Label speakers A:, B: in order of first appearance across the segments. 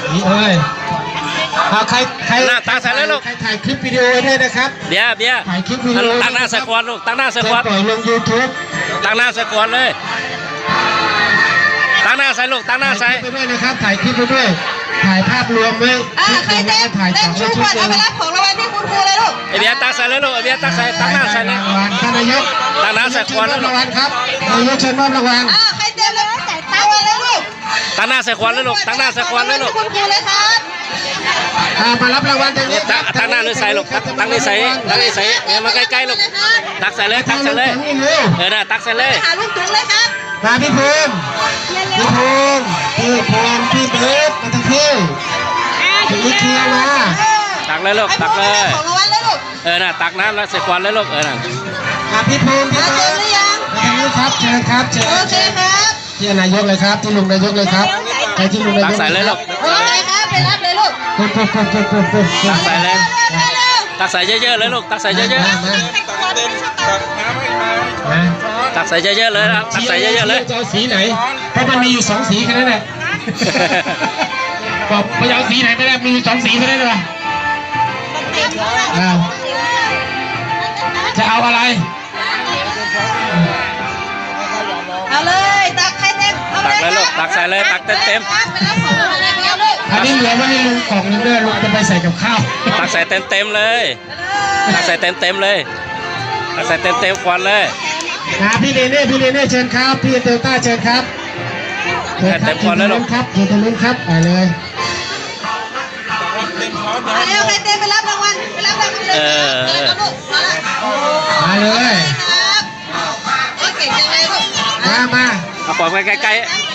A: นี่เอ้ยใคร
B: หน้าตาใส่เลยลูก
A: ใครถ่ายคลิปวิดีโอด้วยนะครับ
B: เบียร์
A: ถ่ายคลิปวิดีโอ
B: ตั้งหน้าสควอตลูกตั้งหน้าสควอต
A: ปล่อยลง YouTube
B: ตั้งหน้าสควอตเลยตั้งหน้าใส่ลูกตั้งหน้าใส่
A: ไปด้วยนะครับถ่ายคลิปไปด้วยถ่ายภาพรวมไว้
C: ใครเต้นชูขวดเอาไปรับของรางวัลที่คุณครูเลยลูก
B: เบียร์ตั้งใส่เลยลูกเบียร์ตั้งใส่ตั้งหน้าใส่เลย
A: ท่านนายก
B: ตั้งหน้าใส่ควอตแล้วลูก
A: รางวัลครับนายกเชิญมอบรางวัล
C: ใครเต้นเลยจ่ายตังค์เลยลูก
B: ตั้งหน้าใส่ควอตเลยลูกตั้งหน้าใส่ควอตเลยลูก
C: คุณครูเลยครับ
A: มารับรางวัลตรงนี้
B: ตั้งหน้าหรือใส่ลูกตั้งนี่ใส่เนี่ยมาใกล้ๆลูกตักใส่เลยน่ะตักใส่เลย
C: หาลูกถุงเลยครับ
A: มาพี่ภูมิพี่เบิร์ดมาทั้งที่ถึงเคลียร์มา
B: ตักเลยลูกตักเลย
C: ของรางวัลเลยลูก
B: น่ะตักน้ำแล้วใส่ควอตเลยลูกน่ะ
A: พี่ภูมิพี่เบิร์ด
C: หรือยัง
A: มาทางนี้ครับเชิญครับเชิญ
C: โอเคครับ
A: ที่นายกเลยครับที่ลุงนายกเลยครับไปที่ลุงนายก
B: ตักใส่เลยลูก
C: โอเคครับไปรับเลยลูก
B: ตักใส่เลยตักใส่เยอะๆเลยลูกตักใส่เยอะๆตักใส่เยอะๆเลยนะตักใส่เยอะๆเลย
A: จะเอาสีไหนเพราะมันมีอยู่2สีแค่นั้นแหละบอกไปเอาสีไหนไม่ได้มีอยู่2สีแค่นั้นเลยจะเอาอะไร
C: เอาเลยตักใครเต็ม
B: ตักเลยลูกตักใส่เลยตักเต็ม
A: อันนี้เหลือไว้ให้ลุงกล่องนึงด้วยลุงจะไปใส่กับข้าว
B: ตักใส่เต็มเลยตักใส่เต็มเลยตักใส่เต็มควันเลย
A: พี่เนเน่เชิญครับพี่เตลต้าเชิญครับ
B: เต็มควันเลยลูก
A: ครับเชิญทางนู้นครับไปเลย
C: แล้วใครเต็มไปรับรางวัลไปรับรางวัลเลย
A: มาเลย
C: เก่งจังเลยลูก
A: มา
B: เอาปล่อยไปไกล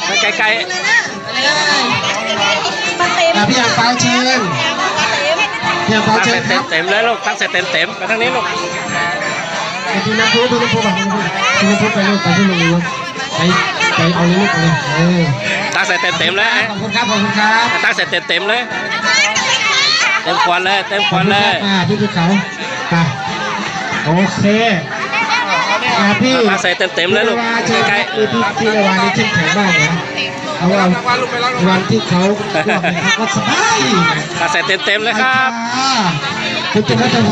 A: พี่อ่างเปาเชิญพี่อ่างเปาเชิญครับ
B: เต็มเลยลูกตั้งใส่เต็มไปทางนี้ลูก
A: พี่น้ำพุไปลูกไปที่ลุงเลยไปเอาเลยลูกเลย
B: ตั้งใส่เต็มเลย
A: ขอบคุณครับ
B: ตั้งใส่เต็มเลยเต็มควันเลย
A: พี่ภูเขาโอเคพี่
B: ตั้งใส่เต็มเลยลูก
A: ใกล้พี่ระวานี่เข้มแข็งมากนะเอาวันที่เขาก็สบาย
B: ตั้งใส่เต็มเลยครับ
A: คุณจะไม่ต้อง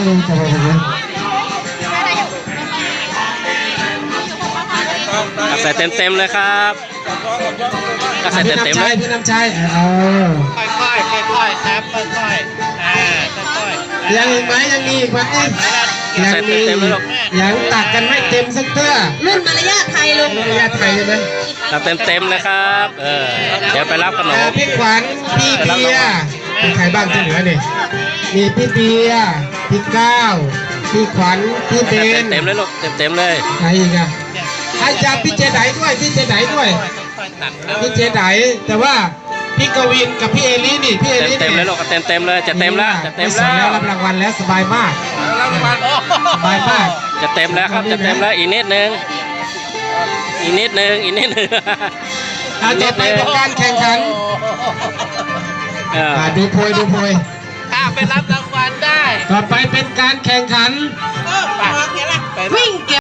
B: ตักใส่เต็มเลยครับตักใส่เต็มเลย
A: พี่น้ำใจ
B: ค่อยครับค่อย
A: ยังอีกไหมยังมีอีกไหมยังตักกันไม่เต็มสักเตื้อ
C: รุ่นมารยาทไทยลูก
A: มารยาทไทยใช่ไหม
B: ตักเต็มเลยครับเดี๋ยวไปรับขนม
A: พี่ขวัญพี่เบียร์มีใครบ้างที่เหลือเนี่ยมีพี่เบียร์พี่ก้าวพี่ขวัญพี่เบน
B: เต็มเลยลูกเต็มเลย
A: ใครอีกอะให้จับพี่เจไดด้วยพี่เจไดแต่ว่าพี่กวินกับพี่เอลี่นี่พี่เอลี่
B: เต็มเลยลูกเต็มเลยจะเต็มแล้ว
A: รับรางวัลแล้วสบายมาก
B: จะเต็มแล้วครับจะเต็มแล้วอีกนิดนึง
A: ต่อไปเป็นการแข่งขันดูโพย
B: ไปรับรางวัลได้
A: ต่อไปเป็นการแข่งขัน
C: วิ่ง